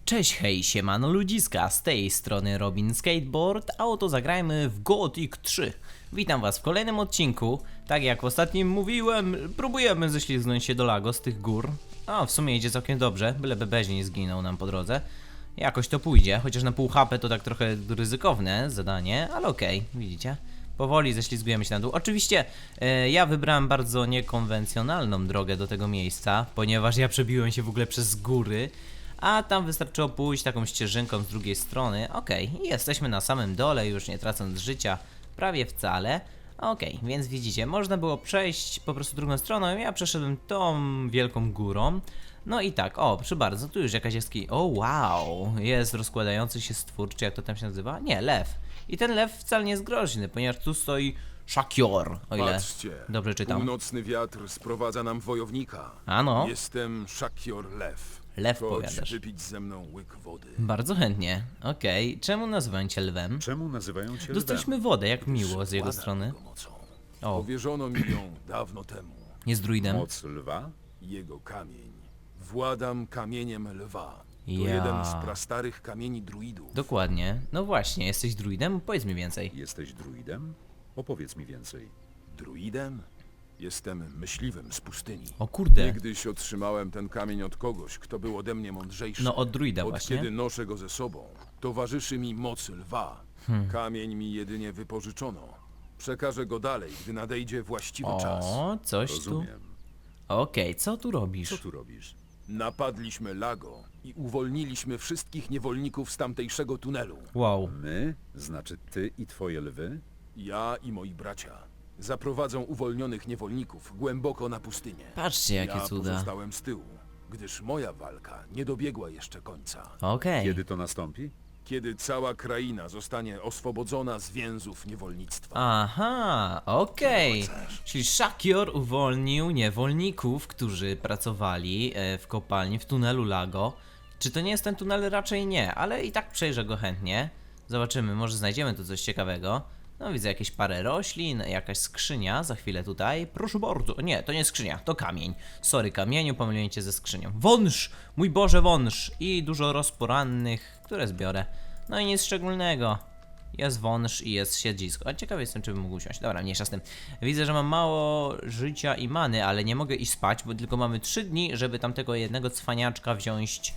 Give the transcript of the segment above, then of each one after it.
Cześć, hej, siemano ludziska, z tej strony Robin Skateboard, a oto zagrajmy w Gothic 3. Witam was w kolejnym odcinku. Tak jak w ostatnim mówiłem, próbujemy ześlizgnąć się do Lago z tych gór. A w sumie idzie całkiem dobrze, byleby Beź nie zginął nam po drodze. Jakoś to pójdzie, chociaż na pół HP to tak trochę ryzykowne zadanie, ale okej, widzicie? Powoli ześlizgujemy się na dół. Oczywiście ja wybrałem bardzo niekonwencjonalną drogę do tego miejsca, ponieważ ja przebiłem się w ogóle przez góry. A tam wystarczyło pójść taką ścieżynką z drugiej strony. Okej, jesteśmy na samym dole, już nie tracąc życia prawie wcale. Okej, więc widzicie, można było przejść po prostu drugą stroną. Ja przeszedłem tą wielką górą. No i tak, o, proszę bardzo, tu już jakaś jaskini. O, wow, jest rozkładający się stwór, czy jak to tam się nazywa? Nie, lew. I ten lew wcale nie jest groźny, ponieważ tu stoi Szakior, o ile Patrzcie, dobrze czytam. północny wiatr sprowadza nam wojownika. Ano. Jestem Szakior Lew. Lew, Chodź powiadasz. wypić ze mną łyk wody. Bardzo chętnie. Okej, czemu nazywają cię lwem? Czemu nazywają cię Dostaliśmy wodę, jak miło z jego Władam strony. jego mocą. O, Powierzono mi ją dawno temu. jest druidem. Moc lwa? Jego kamień. Władam kamieniem lwa. To Ja. jeden z prastarych kamieni druidów. Dokładnie. No właśnie, jesteś druidem? Powiedz mi więcej. Jesteś druidem? Opowiedz mi więcej. Druidem? Jestem myśliwym z pustyni. O kurde. Niegdyś otrzymałem ten kamień od kogoś, kto był ode mnie mądrzejszy. No od druida Od właśnie. kiedy noszę go ze sobą, towarzyszy mi moc lwa. Hmm. Kamień mi jedynie wypożyczono. Przekażę go dalej, gdy nadejdzie właściwy czas. O, coś tu. Rozumiem. Okej, co tu robisz? Co tu robisz? Napadliśmy Lago i uwolniliśmy wszystkich niewolników z tamtejszego tunelu. Wow. My? Znaczy ty i twoje lwy? Ja i moi bracia zaprowadzą uwolnionych niewolników głęboko na pustynię. Patrzcie, jakie Ja cuda. pozostałem z tyłu, gdyż moja walka nie dobiegła jeszcze końca. Okej. Kiedy to nastąpi? Kiedy cała kraina zostanie oswobodzona z więzów niewolnictwa. Aha, okej. Czyli Szakior uwolnił niewolników, którzy pracowali w kopalni w tunelu Lago. Czy to nie jest ten tunel? Raczej nie, ale i tak przejrzę go chętnie. Zobaczymy, może znajdziemy tu coś ciekawego. No widzę jakieś parę roślin, jakaś skrzynia za chwilę tutaj. Proszę bardzo. Nie, to nie skrzynia, to kamień. Sorry kamieniu, pomyliłem cię ze skrzynią. Wąż! Mój Boże, wąż! I dużo rozporannych, które zbiorę. No i nic szczególnego. Jest wąż i jest siedzisko. A ciekawy jestem, czy bym mógł usiąść. Dobra, mniejsza z tym. Widzę, że mam mało życia i many, ale nie mogę iść spać, bo tylko mamy 3 dni, żeby tamtego jednego cwaniaczka wziąć,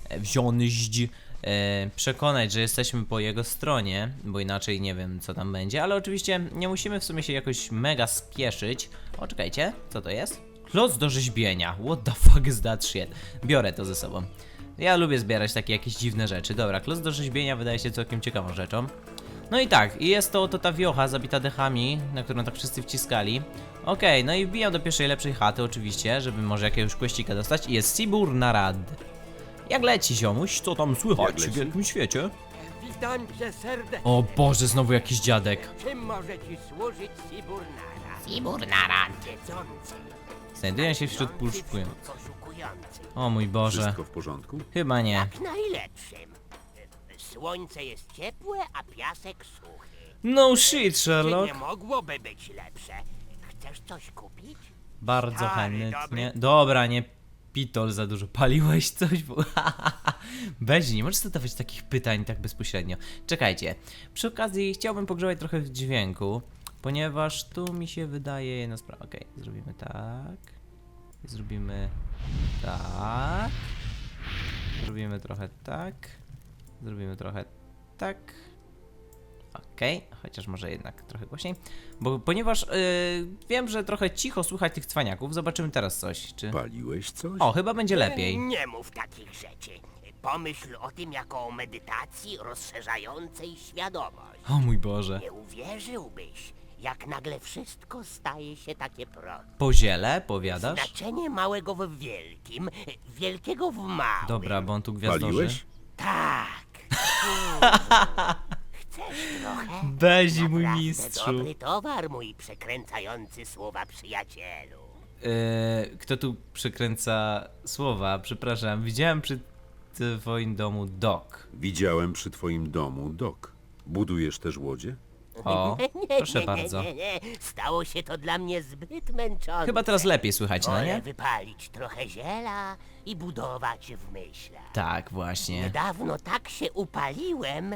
przekonać, że jesteśmy po jego stronie, bo inaczej nie wiem, co tam będzie, ale oczywiście nie musimy w sumie się jakoś mega spieszyć. O, czekajcie, co to jest? Kloc do rzeźbienia. What the fuck is that shit? Biorę to ze sobą. Ja lubię zbierać takie jakieś dziwne rzeczy. Dobra, kloc do rzeźbienia wydaje się całkiem ciekawą rzeczą. No i tak, i jest to ta wiocha zabita dechami, na którą tak wszyscy wciskali. Okej, no i wbijam do pierwszej lepszej chaty oczywiście, żeby może jakiegoś questika dostać. I jest Sibur Narad. Jak leci, ziomuś? Co tam słychać Jak leci? w wielkim świecie? Witam cię serdecznie. O Boże, znowu jakiś dziadek. Czym może ci służyć Siburnara? Siburnara. Wiedzący, Znajduję się wśród znający poszukujących. poszukujących. O mój Boże. Wszystko w porządku? Chyba nie. Jak najlepszym. Słońce jest ciepłe, a piasek suchy. No shit, Czy Sherlock. nie mogłoby być lepsze? Chcesz coś kupić? Bardzo Stary, chętnie. dobry. Dobra, nie pitol za dużo. Paliłeś coś? Beź, nie możesz zadawać takich pytań tak bezpośrednio. Czekajcie. Przy okazji chciałbym pogrzebać trochę w dźwięku, ponieważ tu mi się wydaje jedna sprawa. Okej, zrobimy tak. Zrobimy tak. Zrobimy trochę tak. Zrobimy trochę tak. Okej, chociaż może jednak trochę głośniej. Ponieważ wiem, że trochę cicho słychać tych cwaniaków. Zobaczymy teraz coś. Czy... Paliłeś coś? O, chyba będzie lepiej. Nie mów takich rzeczy. Pomyśl o tym jako o medytacji rozszerzającej świadomość. O mój Boże. Nie uwierzyłbyś, jak nagle wszystko staje się takie proste. Po ziele, powiadasz? Znaczenie małego w wielkim, wielkiego w małym. Dobra, bo on tu gwiazdorzy. Paliłeś? Tak. Chcesz trochę? Bezi, mój Naprawdę mistrzu. dobry towar, mój przekręcający słowa przyjacielu. Kto tu przekręca słowa? Przepraszam, widziałem przy twoim domu dok. Widziałem przy twoim domu dok. Budujesz też łodzie? O, proszę bardzo. Nie. Stało się to dla mnie zbyt męczące. Chyba teraz lepiej słychać, no Wolę nie? wypalić trochę ziela i budować w myślach. Tak, właśnie. Niedawno tak się upaliłem,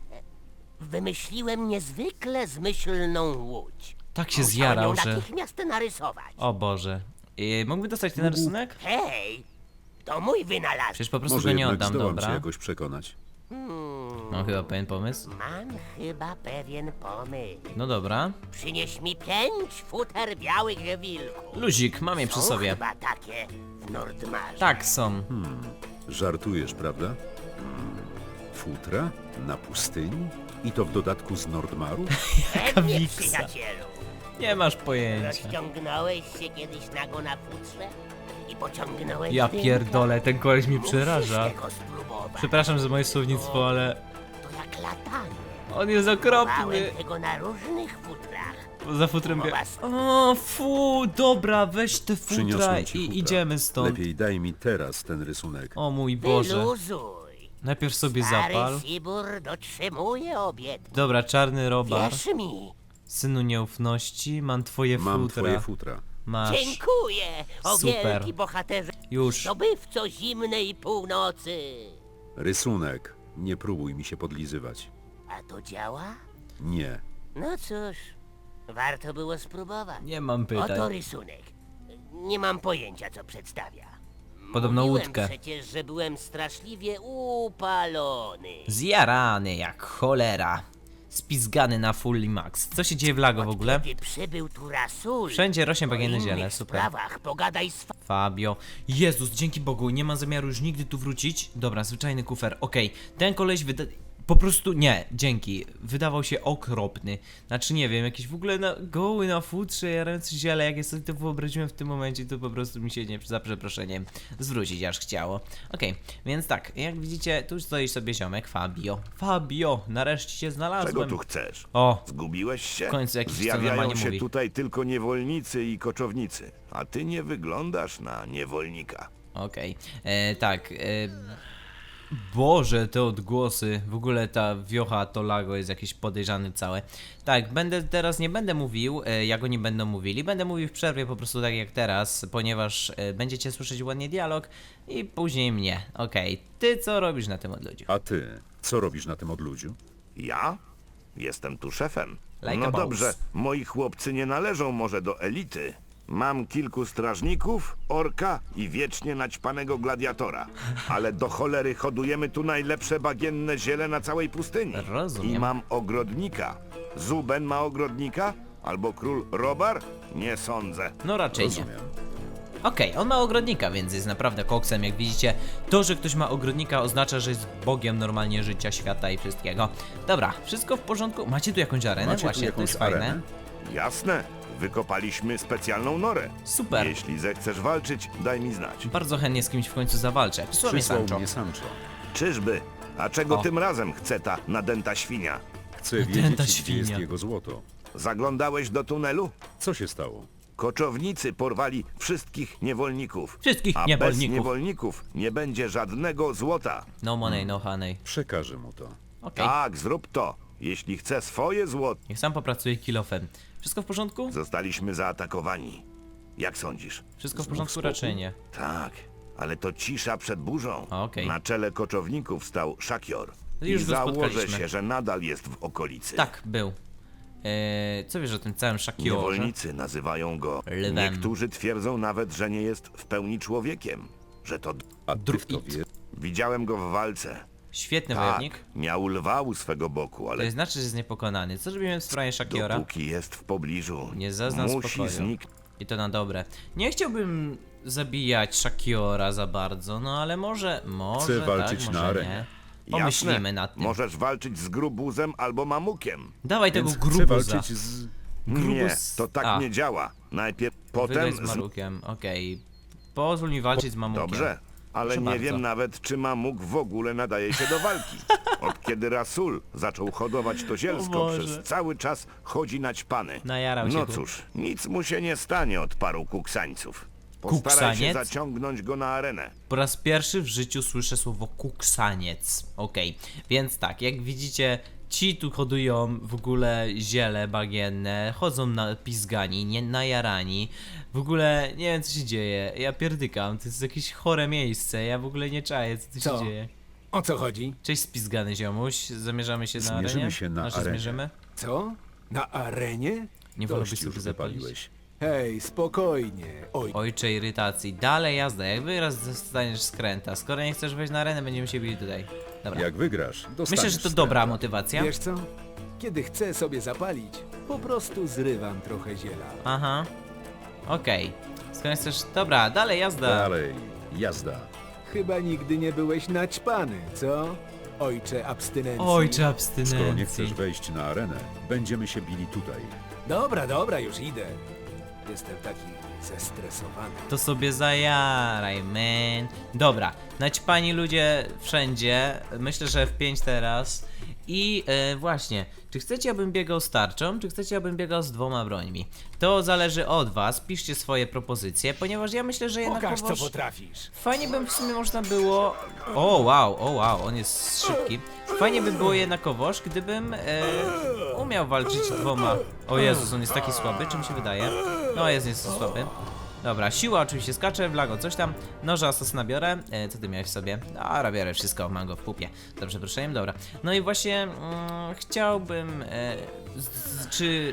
wymyśliłem niezwykle zmyślną łódź. Tak się Musiałem zjarał, ją że... natychmiast narysować. O Boże. Mógłby dostać ten rysunek? Hej, to mój wynalazek. Przecież po prostu Może go nie jednak oddam, zdołam cię dobra? jakoś przekonać. Mam chyba pewien pomysł. Mam chyba pewien pomysł. No dobra. Przynieś mi 5 futer białych wilków. Luzik, mam je przy Są sobie. chyba takie w Nordmarze. Tak, są. Żartujesz, prawda? Futra? Na pustyni? I to w dodatku z Nordmaru? Pewnie, wiksa. przyjacielu. Nie masz pojęcia. Rozciągnąłeś się kiedyś nago na futrze i pociągnąłeś Ja dymka? pierdolę, ten koleś mi Musisz przeraża. tego spróbować. Przepraszam za moje słownictwo, ale To jak latanie. on jest okropny. Bałem tego na różnych futrach. Za futrem Mowa O, fu, dobra, weź te futra Przyniosłem ci i futra. idziemy stąd. Lepiej daj mi teraz ten rysunek. O mój Boże. Wyluzuj. Najpierw sobie zapal. Stary Sibur dotrzymuje obietnic. Dobra, czarny robar. Wierz mi. Synu nieufności, mam twoje Mam futra. twoje futra. Masz. Dziękuję, o Super. wielki bohaterze. Już. Zdobywco zimnej północy. Rysunek. Nie próbuj mi się podlizywać. A to działa? Nie. No cóż, warto było spróbować. Nie mam pytań. Oto rysunek. Nie mam pojęcia, co przedstawia. Podobno Mówiłem łódkę. przecież, że byłem straszliwie upalony. Zjarany jak cholera. Spizgany na full max. Co się dzieje w Lago w ogóle? Kiedy przybył tu Rasul, Wszędzie rośnie bagienne o ziele, innych super. sprawach pogadaj z Fabio. Jezus, dzięki Bogu, nie mam zamiaru już nigdy tu wrócić. Dobra, zwyczajny kufer. Okej, ten koleś po prostu nie, dzięki. Wydawał się okropny. Znaczy nie wiem, jakiś w ogóle goły na futrze, jarający ziele. Jak ja sobie to wyobraziłem w tym momencie, to po prostu mi się nie, za przeproszeniem, zwrócić aż chciało. Okej, więc tak, jak widzicie, tu stoi sobie ziomek, Fabio. Fabio, nareszcie cię znalazłem. Czego tu chcesz? O, Zgubiłeś się? W końcu jakiś, co Zjawiają normalnie się mówi. tutaj tylko niewolnicy i koczownicy, a ty nie wyglądasz na niewolnika. okej. Tak, Boże, te odgłosy, w ogóle ta wiocha, to Lago jest jakieś podejrzane całe. Tak, teraz nie będę mówił, jak oni będą mówili, będę mówił w przerwie po prostu tak jak teraz, ponieważ będziecie słyszeć ładnie dialog i później mnie. Okej, ty co robisz na tym odludziu? A ty? Co robisz na tym odludziu? Ja? Jestem tu szefem. Like a No boss. dobrze, moi chłopcy nie należą może do elity. Mam kilku strażników, orka i wiecznie naćpanego gladiatora. Ale do cholery hodujemy tu najlepsze bagienne ziele na całej pustyni. Rozumiem. I mam ogrodnika. Zuben ma ogrodnika? Albo król Robar? Nie sądzę. No raczej nie. Rozumiem. Okej, on ma ogrodnika, więc jest naprawdę koksem, jak widzicie. To, że ktoś ma ogrodnika oznacza, że jest bogiem normalnie życia, świata i wszystkiego. Dobra, wszystko w porządku? Macie tu jakąś arenę? Macie tu Właśnie, to jakąś jest fajne. arenę? Jasne. Wykopaliśmy specjalną norę. Super. Jeśli zechcesz walczyć, daj mi znać. Bardzo chętnie z kimś w końcu zawalczę. Przysłał mnie Przysłał Sancho. mnie Sancho. Czyżby? A czego O. tym razem chce ta nadęta świnia? Chcę Tęta wiedzieć, gdzie świnia. jest jego złoto. Zaglądałeś do tunelu? Co się stało? Koczownicy porwali wszystkich niewolników. Wszystkich A bez niewolników. niewolników nie będzie żadnego złota. No money, no honey. Przekażę mu to. Okej, Tak, zrób to. Jeśli chce swoje złoto. niech sam popracuje kilofem. Wszystko w porządku? Zostaliśmy zaatakowani. Jak sądzisz? Wszystko w Znów porządku spokój? raczej nie. Tak, ale to cisza przed burzą. Okej. Na czele koczowników stał Szakior. Już I go założę spotkaliśmy. się, że nadal jest w okolicy. Tak, był. Co wiesz o tym całym Shakiorze? Niewolnicy nazywają go. Lwem. Niektórzy twierdzą nawet, że nie jest w pełni człowiekiem. Że to... A ty w to Druid. wiesz? Widziałem go w walce. Świetny Tak, wojownik. miał lwa u swego boku, To ale znaczy, że jest niepokonany. Co robimy w sprawie Shakiora? dopóki jest w pobliżu, Nie zaznam musi spokoju. zniknąć. I to na dobre. Nie chciałbym zabijać Shakiora za bardzo, no ale może Chcę walczyć tak, na może arenie. nie. Pomyślimy Jasne, nad tym. możesz walczyć z grubuzem albo mamukiem. Dawaj tego Więc chcę grubuza. walczyć z... Nie, to tak A. nie działa. Najpierw potem Potem z Marukiem, okej. Pozwól mi walczyć z Mamukiem. Dobrze, ale Proszę nie bardzo. wiem nawet, czy mamuk w ogóle nadaje się do walki. Od kiedy Rasul zaczął hodować to O zielsko, Boże. przez cały czas chodzi naćpany. Najarał się No tu. cóż, nic mu się nie stanie od paru kuksańców. Postaraj się Kuksaniec? zaciągnąć go na arenę. Po raz pierwszy w życiu słyszę słowo kuksaniec. Okej, więc tak, jak widzicie, ci tu hodują w ogóle ziele bagienne, chodzą na pizgani, nie najarani. W ogóle nie wiem co się dzieje, ja pierdykam, to jest jakieś chore miejsce, ja w ogóle nie czaję co tu Co? się dzieje. O co chodzi? Cześć spizgany ziomuś, zamierzamy się na Zmierzymy arenie? się na Znaczy, arenie. zmierzymy? Co? Na arenie? Nie Dość wolałbyś już sobie zapalić? wypaliłeś. Hej, spokojnie. Oj, Ojcze irytacji, dalej jazda, jak wyraz dostaniesz skręta, skoro nie chcesz wejść na arenę, będziemy się bili tutaj. Dobra, Jak wygrasz, dostaniesz myślę, że to skręta. dobra motywacja. wiesz co? Kiedy chcę sobie zapalić, po prostu zrywam trochę ziela. Aha. Okej. Skoro chcesz... Dobra, dalej jazda. Dalej, jazda. Chyba nigdy nie byłeś naćpany, co? Ojcze abstynencji. Ojcze Skoro nie abstynencji. chcesz wejść na arenę, będziemy się bili tutaj. Dobra, już idę. Jestem taki zestresowany. To sobie zajaraj, man. Dobra, naćpani ludzie wszędzie. Myślę, że F5 teraz. I właśnie, czy chcecie, abym biegał z tarczą, czy chcecie, abym biegał z 2 brońmi? To zależy od was, piszcie swoje propozycje, ponieważ ja myślę, że Pokaż, co jednakowoż... potrafisz. Fajnie by w sumie można było... O wow, on jest szybki. Fajnie by było jednakowoż, gdybym umiał walczyć 2... O Jezus, on jest taki słaby, czy mi się wydaje? No jest słaby. Dobra, siła oczywiście skacze, Vlago coś tam, noża asasyna biorę, co ty miałeś w sobie? Dobra, biorę wszystko, mam go w pupie, za przeproszeniem, dobra. No i właśnie chciałbym, czy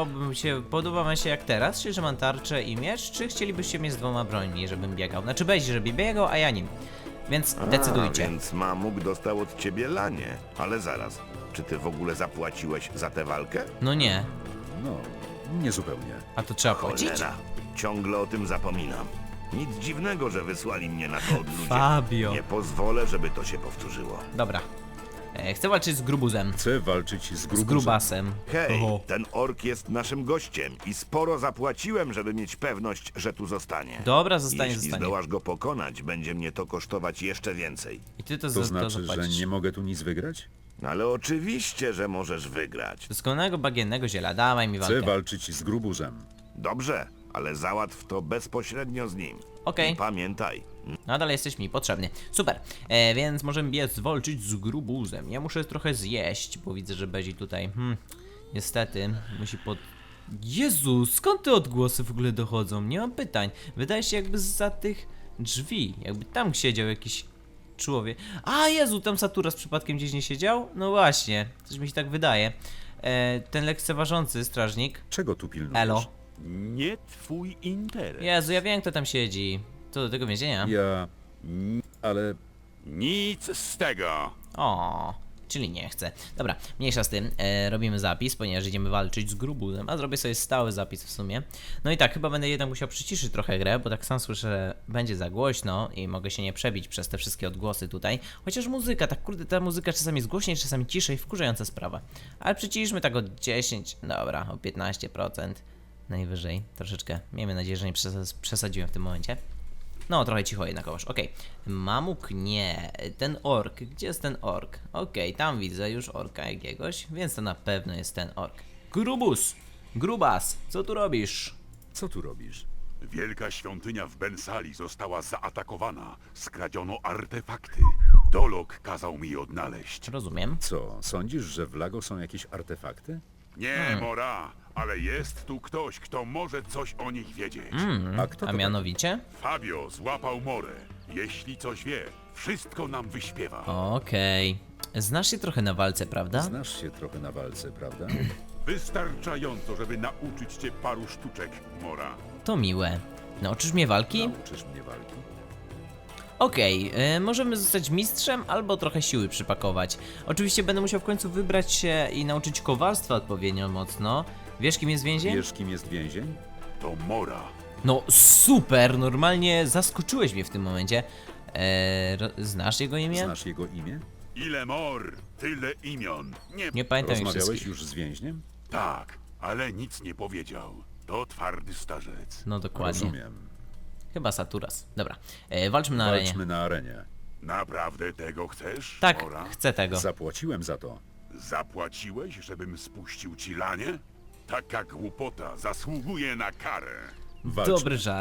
podoba wam się jak teraz, czyli że mam tarczę i miecz, czy chcielibyście mnie z 2 brońmi, żebym biegał? Znaczy Bejzi, żeby biegał, a ja nim. Więc decydujcie. Więc Mamuk dostał od ciebie lanie. Ale zaraz, czy ty w ogóle zapłaciłeś za tę walkę? No nie, No, niezupełnie. a to trzeba płacić? Cholera, ciągle o tym zapominam. Nic dziwnego, że wysłali mnie na to od ludzi. Fabio. Nie pozwolę, żeby to się powtórzyło. Dobra. Chcę walczyć z grubuzem. Chcę walczyć z Z grubusem. grubasem. Hej, Oho. ten ork jest naszym gościem i sporo zapłaciłem, żeby mieć pewność, że tu zostanie. Dobra, zostanie. Jeśli zdołasz go pokonać, będzie mnie to kosztować jeszcze więcej. I ty to, To to znaczy, że zapłacisz. nie mogę tu nic wygrać? Ale oczywiście, że możesz wygrać. Doskonałego bagiennego ziela, dawaj mi walkę. Chcę walczyć z grubusem. Dobrze, ale załatw to bezpośrednio z nim. Okej. I pamiętaj, Nadal jesteś mi potrzebny. Super, więc możemy biec walczyć z grubuzem. Ja muszę trochę zjeść, bo widzę, że Bezi tutaj, niestety, musi Jezu, skąd te odgłosy w ogóle dochodzą? Nie mam pytań. Wydaje się jakby zza tych drzwi, jakby tam siedział jakiś człowiek. A Jezu, tam Saturas przypadkiem gdzieś nie siedział? No właśnie, coś mi się tak wydaje. Ten lekceważący strażnik. Czego tu pilnujesz? Elo. Nie twój interes. Jezu, ja wiem kto tam siedzi. Co do tego więzienia? Ja... ale... Nic z tego. O, czyli nie chcę. Dobra, mniejsza z tym. Robimy zapis, ponieważ idziemy walczyć z grubuzem, a zrobię sobie stały zapis w sumie. No i tak, chyba będę jednak musiał przyciszyć trochę grę, bo tak sam słyszę, że będzie za głośno i mogę się nie przebić przez te wszystkie odgłosy tutaj. Chociaż muzyka, tak kurde, ta muzyka czasami jest głośniej, czasami ciszej, wkurzająca sprawa. Ale przyciszmy tak o 10, dobra, o 15%. Najwyżej, troszeczkę. Miejmy nadzieję, że nie przesadziłem w tym momencie. No, trochę cicho jednakowoż, okej. Mamuk nie. Ten ork, gdzie jest ten ork? Okej, tam widzę już orka jakiegoś, więc to na pewno jest ten ork. Grubus! Grubas, co tu robisz? Co tu robisz? Wielka świątynia w Bensali została zaatakowana. Skradziono artefakty. Dolok kazał mi je odnaleźć. Rozumiem. Co, sądzisz, że w Lago są jakieś artefakty? Nie, Mora, ale jest tu ktoś, kto może coś o nich wiedzieć. A kto A to mianowicie? Fabio złapał Morę. Jeśli coś wie, wszystko nam wyśpiewa. Okej. Znasz się trochę na walce, prawda? Znasz się trochę na walce, prawda? Wystarczająco, żeby nauczyć cię paru sztuczek, Mora. To miłe. Nauczysz mnie walki? Nauczysz mnie walki? Okej, możemy zostać mistrzem albo trochę siły przypakować. Oczywiście będę musiał w końcu wybrać się i nauczyć kowalstwa odpowiednio mocno. Wiesz kim jest więzień? Wiesz, kim jest więzień? To Mora. No super, normalnie zaskoczyłeś mnie w tym momencie. Znasz jego imię? Znasz jego imię? Ile mor, tyle imion. Nie pamiętam ich Rozmawiałeś wszystkich. już z więźniem? Tak, ale nic nie powiedział. To twardy starzec. No dokładnie. Rozumiem. Chyba Saturas. Dobra, walczmy na arenie. Walczmy na arenie. Naprawdę tego chcesz, Tak, Mora? chcę tego. Zapłaciłem za to. Zapłaciłeś, żebym spuścił ci lanie? Taka głupota zasługuje na karę. Walczmy. Dobry żart.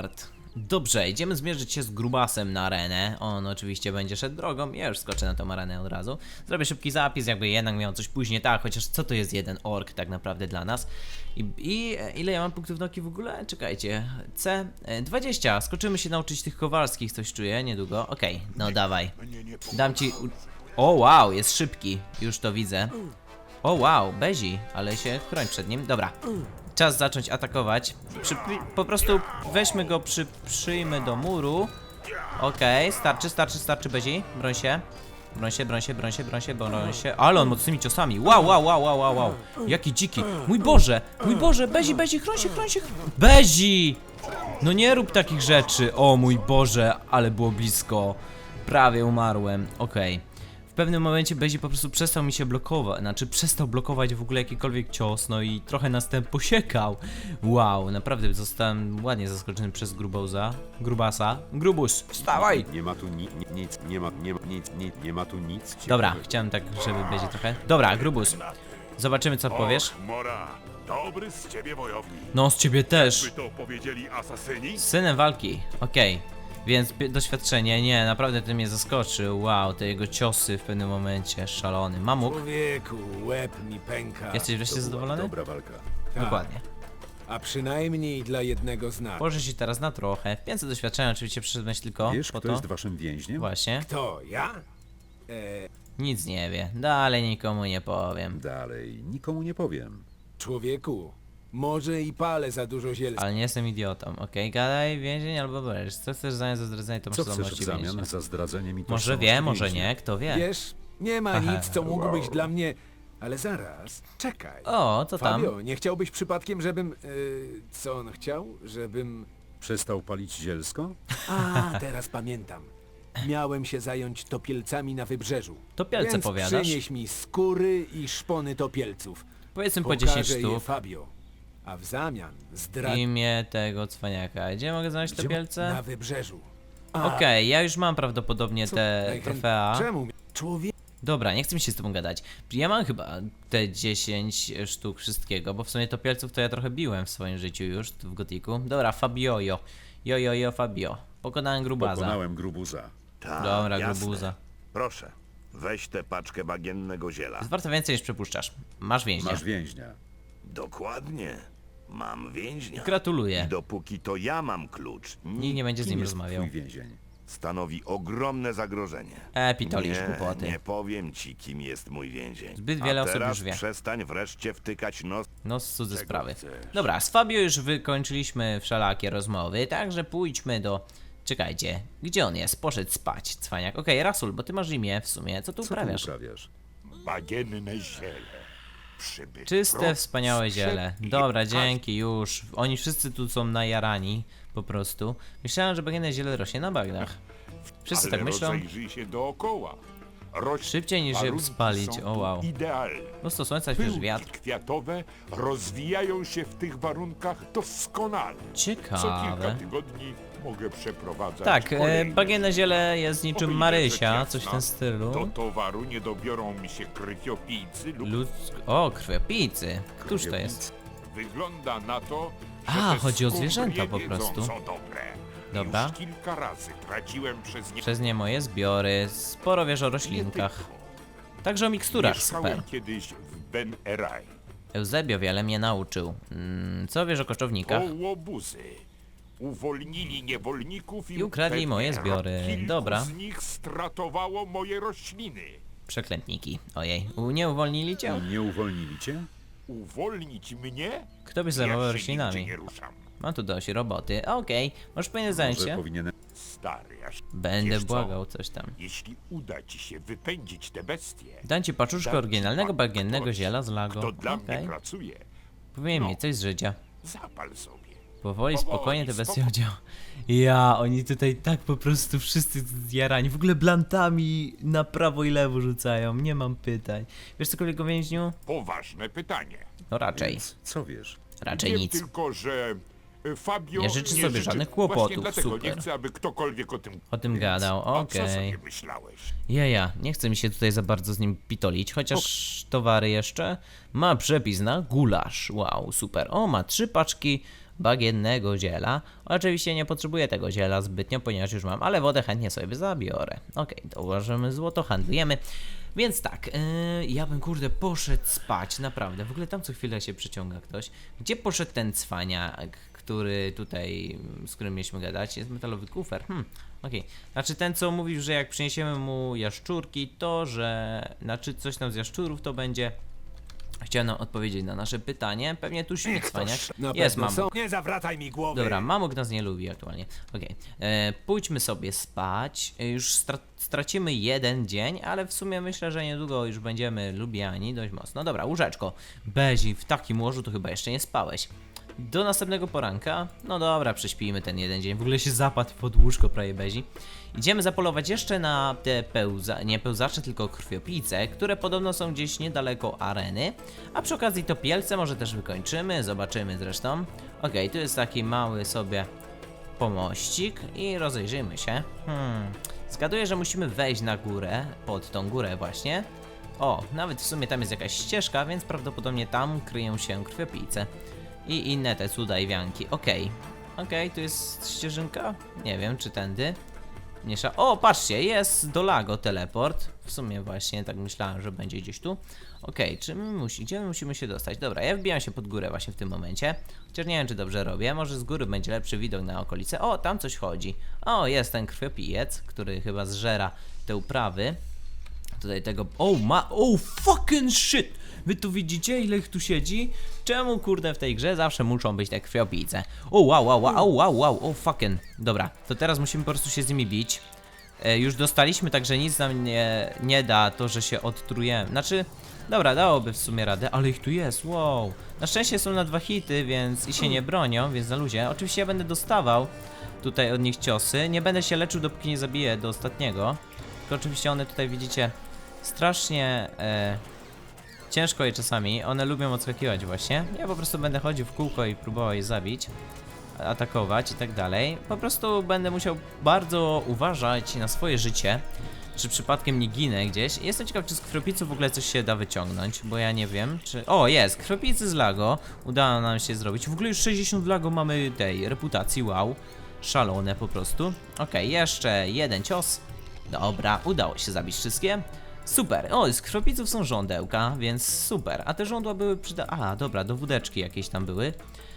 Dobrze, idziemy zmierzyć się z grubasem na arenę. On oczywiście będzie szedł drogą. Ja już skoczę na tą arenę od razu. Zrobię szybki zapis, jakby jednak miał coś później. Tak, chociaż co to jest jeden ork tak naprawdę dla nas? I ile ja mam punktów nauki w ogóle? Czekajcie. C20. Skoczymy się nauczyć tych kowalskich, coś czuję niedługo. Okej, no dawaj. Dam ci... O wow, jest szybki. Już to widzę. O wow, Bezi, ale się chroń przed nim. Dobra. Czas zacząć atakować. Po prostu weźmy go, przyjmy do muru. Okej, starczy Bezi. Broń się. Broń się. Ale on mocnymi ciosami. Wow. Jaki dziki. Mój Boże, Bezi, chroń się. Bezi! No nie rób takich rzeczy. O mój Boże, ale było blisko. Prawie umarłem. Okej. W pewnym momencie Bezi po prostu przestał mi się blokować, przestał blokować w ogóle jakikolwiek cios, no i trochę nas ten posiekał. Wow, naprawdę zostałem ładnie zaskoczony przez grubasa. Grubus, wstawaj! Nie ma tu nic, nie ma tu nic. Dobra, chciałem tak, żeby Bezi trochę... Dobra, Grubus, zobaczymy co powiesz. Och, Mora, dobry z ciebie wojownik. No, z ciebie By też. to powiedzieli asasyni? Z synem walki, okej. Więc doświadczenie, nie, naprawdę to mnie zaskoczył. Wow, te jego ciosy w pewnym momencie, szalony. Mamuk, Człowieku, łeb mi pęka. jesteś wreszcie zadowolony? Dobra walka. Dokładnie. A przynajmniej dla jednego z nas. Położę się teraz na trochę. 500 doświadczenia oczywiście przyszedłeś tylko Wiesz, po kto to. jest waszym więźniem? Właśnie. To ja? Nic nie wie. Dalej nikomu nie powiem. Dalej, nikomu nie powiem. Człowieku, może i palę za dużo zielska. Ale nie jestem idiotą. Okej, gadaj, więzień albo bresz. Co chcesz w zamian za zdradzenie, to masz Co chcesz w zdolności zamian więźnia. za zdradzenie mi Może tożsamości wie, może więźnia? nie, kto wie. Wiesz, nie ma Aha. nic, co mógł być dla mnie... Ale zaraz, czekaj. O, co tam? Fabio, nie chciałbyś przypadkiem, żebym... co on chciał? Żebym... Przestał palić zielsko? A, teraz pamiętam. Miałem się zająć topielcami na wybrzeżu. Topielce Więc powiadasz? przynieś mi skóry i szpony topielców. Powiedzmy po 10 Pokażę je sztuk. Fabio. A w zamian Imię tego cwaniaka. Gdzie mogę znaleźć Na topielce? wybrzeżu. Okej, ja już mam prawdopodobnie te Najchętniej- trofea. Czemu? Człowiek... Dobra, nie chcę mi się z tobą gadać. Ja mam chyba te 10 sztuk wszystkiego, bo w sumie topielców to ja trochę biłem w swoim życiu już w gotiku. Dobra, Fabiojo. Jo, Fabio. Pokonałem grubaza. Pokonałem grubuza. Tak, Dobra, jasne. grubuza. Proszę, weź tę paczkę bagiennego ziela. Jest warto więcej niż przypuszczasz. Masz więźnia. Masz więźnia. Dokładnie. Mam więźnia. Gratuluję. I dopóki to ja mam klucz, Nikt nie będzie z Kim nim jest rozmawiał. twój więzień? stanowi ogromne zagrożenie. Pitolisz głupoty. Nie powiem ci, kim jest mój więzień. Zbyt wiele A osób teraz już wie. przestań wreszcie wtykać nos. No z cudze sprawy. Dobra, z Fabio już wykończyliśmy wszelakie rozmowy, także pójdźmy do... Czekajcie, gdzie on jest? Poszedł spać, cwaniak. Okej, Rasul, bo ty masz imię w sumie. Co tu Co ty uprawiasz? uprawiasz? Bagienne ziele. Przybyt Czyste, prost, wspaniałe ziele. sprzed i Dobra, każdy dzięki, już. Oni wszyscy tu są najarani, po prostu. Myślałem, że bagienne ziele rośnie na bagnach. Wszyscy ale tak myślą. rozejrzyj się dookoła. Szybciej niż je warunki spalić, są o tu wow. Idealne. Mnóstwo słońca, świeży Pyłki wiatr. kwiatowe rozwijają się w tych warunkach doskonale. Co kilka Ciekawe. tygodni mogę przeprowadzać Tak, kolejne. bagienne ziele jest niczym Oby nie Marysia, rzecz coś w jasna, tym stylu. Do towaru nie dobiorą mi się krwiopijcy lub O, krwiopijcy. Któż to jest? wygląda na to, że A, te chodzi o skóry zwierzęta po wiedzą, prostu. Są dobre. Dobra. Już kilka razy traciłem przez nie Przez nie moje zbiory. Sporo wiesz o roślinkach. Także o miksturach, Mieszkałem super. kiedyś w Ben Erai. Eusebio wiele mnie nauczył. Co wiesz o koczownikach? Łobuzy. Uwolnili niewolników I ukradli pewnie moje zbiory. kilku Dobra. z nich stratowało moje rośliny. Przeklętniki. Ojej, nie uwolnili cię? Nie uwolnili cię? Uwolnić mnie? Kto by zajmował Ja się roślinami? nigdzie nie ruszam. Mam tu dość roboty. Okej, możesz powinien zająć Może się. powinienem... Stary, aż Będę wiesz co? błagał coś tam. Jeśli uda ci się wypędzić te bestie, Dam ci paczuszkę dam ci oryginalnego bagiennego ktoś, ziela z Lago. kto dla mnie Okej. pracuje, Powinien No. mieć coś z życia. zapal sobie. Powoli, spokojnie te bestie spokojnie. chodzią. Ja, oni tutaj tak po prostu wszyscy zjarani. W ogóle blantami na prawo i lewo rzucają. Nie mam pytań. Wiesz cokolwiek o więźniu? Poważne pytanie. No raczej. Więc co wiesz? Raczej Wiem nic. tylko, że Fabio Nie życzy sobie żadnych kłopotów, Właśnie dlatego super. nie chcę, aby ktokolwiek o tym... O tym gadał, A co okej. sobie myślałeś? Ja, nie chcę mi się tutaj za bardzo z nim pitolić, chociaż towary jeszcze. Ma przepis na gulasz, wow, super. O, ma 3 paczki bagiennego ziela. Oczywiście nie potrzebuję tego ziela zbytnio, ponieważ już mam, ale wodę chętnie sobie zabiorę. Okej, dołożymy złoto, handlujemy. Więc tak, ja bym kurde poszedł spać, naprawdę. W ogóle tam co chwilę się przeciąga ktoś. Gdzie poszedł ten cwaniak, który tutaj, z którym mieliśmy gadać? Jest metalowy kufer. Okej. Znaczy ten co mówił, że jak przyniesiemy mu jaszczurki, to że, znaczy coś tam z jaszczurów to będzie. Chciał nam odpowiedzieć na nasze pytanie. Pewnie tu śpi cwaniak. Na Jest, pewno mam. są. Nie zawracaj mi głowy. Dobra, mamuk nas nie lubi aktualnie. Okej. Pójdźmy sobie spać. Już stracimy jeden dzień, ale w sumie myślę, że niedługo już będziemy lubiani dość mocno. Dobra, łóżeczko. Bezi, w takim łożu to chyba jeszcze nie spałeś. Do następnego poranka. No dobra, prześpijmy ten jeden dzień. W ogóle się zapadł pod łóżko prawie Bezi. Idziemy zapolować jeszcze na te nie pełzacze, tylko krwiopijce, które podobno są gdzieś niedaleko areny. A przy okazji topielce może też wykończymy, zobaczymy zresztą. Okej, tu jest taki mały sobie pomościk i rozejrzyjmy się. Zgaduję, że musimy wejść na górę, pod tą górę właśnie. O, nawet w sumie tam jest jakaś ścieżka, więc prawdopodobnie tam kryją się krwiopijce. I inne te cuda i wianki. Okej, tu jest ścieżynka? Nie wiem, czy tędy. O, patrzcie, jest do Lago teleport. W sumie właśnie tak myślałem, że będzie gdzieś tu. Czy my gdzie my musimy się dostać? Dobra, ja wbijam się pod górę właśnie w tym momencie. Chociaż nie wiem, czy dobrze robię. Może z góry będzie lepszy widok na okolice. O, tam coś chodzi. O, jest ten krwiopijec, który chyba zżera te uprawy. Tutaj tego... fucking shit! Wy tu widzicie, ile ich tu siedzi? Czemu, kurde, w tej grze zawsze muszą być te krwiopijce? Wow, fucking. Dobra, to teraz musimy po prostu się z nimi bić. Już dostaliśmy, także nic nam nie da to, że się odtrujemy. Znaczy, dobra, dałoby w sumie radę, ale ich tu jest, wow. Na szczęście są na 2 hity, więc i się nie bronią, więc na luzie. Oczywiście ja będę dostawał tutaj od nich ciosy. Nie będę się leczył, dopóki nie zabiję do ostatniego. Tylko oczywiście one tutaj widzicie strasznie... ciężko je czasami, one lubią odskakiwać właśnie. Ja po prostu będę chodził w kółko i próbował je zabić, atakować i tak dalej. Po prostu będę musiał bardzo uważać na swoje życie, czy przypadkiem nie ginę gdzieś. Jestem ciekaw, czy z krwiopicy w ogóle coś się da wyciągnąć, bo ja nie wiem, czy... O, jest! Krwiopicy z Lago. Udało nam się zrobić. W ogóle już 60 Lago mamy tej reputacji, wow. Szalone po prostu. Jeszcze jeden cios. Dobra, udało się zabić wszystkie. Super, z krwiopijców są żądełka, więc super. A te żądła były dobra, do wódeczki jakieś tam były.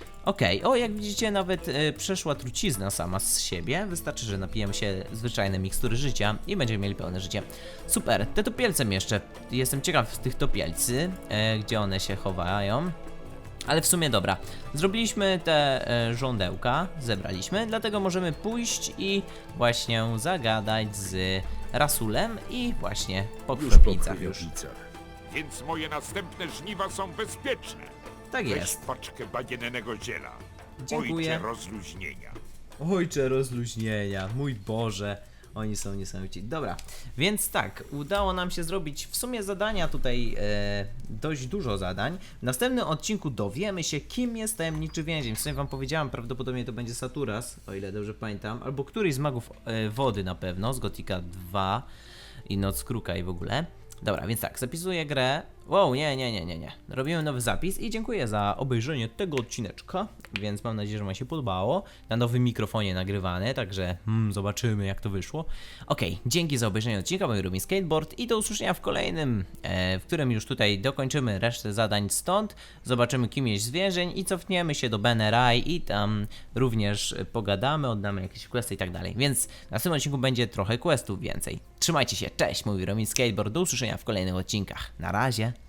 Jak widzicie, nawet przeszła trucizna sama z siebie. Wystarczy, że napijemy się zwyczajne mikstury życia i będziemy mieli pełne życie. Super, te topielce jeszcze. Jestem ciekaw z tych topielcy, gdzie one się chowają. Ale w sumie dobra, zrobiliśmy te żądełka, zebraliśmy, dlatego możemy pójść i właśnie zagadać z Rasulem i właśnie po Już po krwiopijcach już. krwiopijcach. Więc moje następne żniwa są bezpieczne. Tak Weź jest. paczkę bagiennego ziela. Dziękuję. Ojcze rozluźnienia. Ojcze rozluźnienia, mój Boże. Oni są niesamowici. Dobra, więc tak, udało nam się zrobić w sumie zadania tutaj, dość dużo zadań. W następnym odcinku dowiemy się, kim jest tajemniczy więzień. W sumie wam powiedziałem, prawdopodobnie to będzie Saturas, o ile dobrze pamiętam, albo któryś z magów wody na pewno, z Gotika 2 i Noc Kruka i w ogóle. Dobra, więc tak, zapisuję grę. Wow, nie. Robimy nowy zapis i dziękuję za obejrzenie tego odcineczka, więc mam nadzieję, że wam się podobało. Na nowym mikrofonie nagrywane, także zobaczymy jak to wyszło. Dzięki za obejrzenie odcinka, mój Rubin Skateboard i do usłyszenia w kolejnym, w którym już tutaj dokończymy resztę zadań stąd. Zobaczymy kim jest zwierzeń i cofniemy się do Beneraj i tam również pogadamy, oddamy jakieś questy i tak dalej. Więc w następnym odcinku będzie trochę questów więcej. Trzymajcie się, cześć, mój Rubin Skateboard, do usłyszenia w kolejnych odcinkach. Na razie.